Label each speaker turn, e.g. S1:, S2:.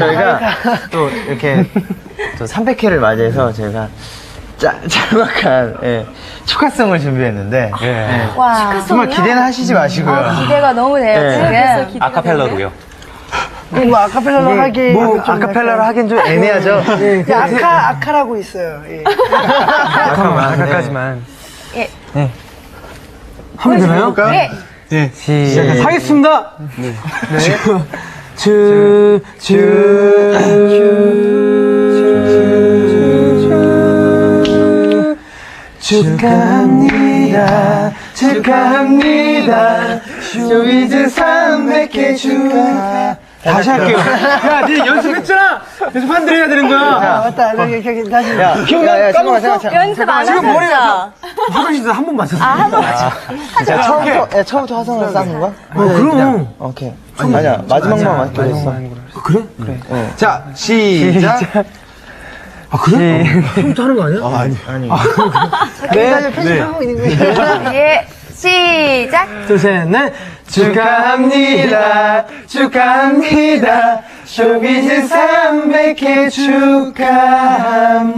S1: 저희가 또 이렇게 또 300회를 맞이해서 저희가 짤막한 축하송을 준비했는데
S2: 와.
S1: 정말 기대는 하시지 마시고요.
S2: 기대가 너무 돼요, 지금.
S3: 아카펠라로요.
S4: 뭐 아카펠라로 하기
S1: 아카펠라로 하긴 좀 애매하죠.
S4: 아카라고 있어요. 예.
S1: 아카까지만.
S2: 예.
S1: 하면 되나요?
S2: 네.
S1: 네. 시작하겠습니다. 네. 축하합니다. 축하합니다. 쇼미즈 300회 축하. 다시 할게요. 야, 니 연습했잖아. 연습한대로 해야 되는 거야.
S4: 맞다. 여기 다시.
S1: 기억나? 까먹었어.
S2: 연습 안 하셨죠?
S1: 화장실에서 한 번 맞췄어.
S2: 한 번 맞췄어.
S1: 처음부터 화성을 쌓는 거야?
S3: 그럼.
S1: 오케이. 아니야, 마지막만 맞기로 했어.
S3: 그래? 자, 시작. 아, 그래? 처음부터 하는 거 아니야?
S1: 아니.
S4: 네. 편집하고 있는 거예요.
S2: 예. 시작.
S1: 둘, 셋, 넷. 축하합니다. 축하합니다. 쇼미즈 300회 축하합니다.